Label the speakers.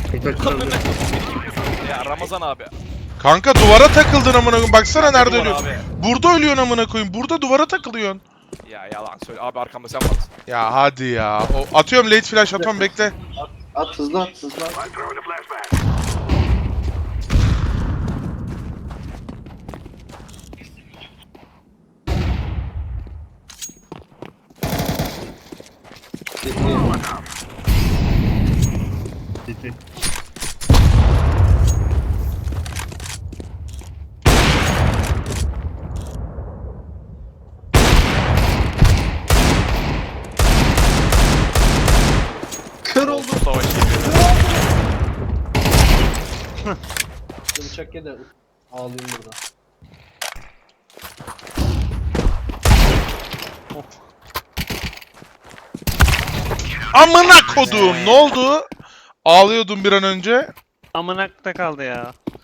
Speaker 1: Ya Ramazan abi.
Speaker 2: Kanka duvara takıldın amına koyayım. Baksana nerede
Speaker 1: Duvar
Speaker 2: ölüyorsun.
Speaker 1: abi.
Speaker 2: Burada ölüyorsun amına koyayım. Burada duvara takılıyorsun.
Speaker 1: Ya yalan söyle abi, arkamda sen varsın.
Speaker 2: Ya hadi ya. Atıyorum late flash atıyorum bekle.
Speaker 3: At hızlı at hızlı at.
Speaker 4: City.
Speaker 3: Kör oldu.
Speaker 1: Oldu savaş gibi.
Speaker 3: Bıçak ye de ağlayayım burada.
Speaker 2: Amına kodum. Ne oldu? Ağlıyordum bir an önce.
Speaker 5: Amınakta kaldı ya.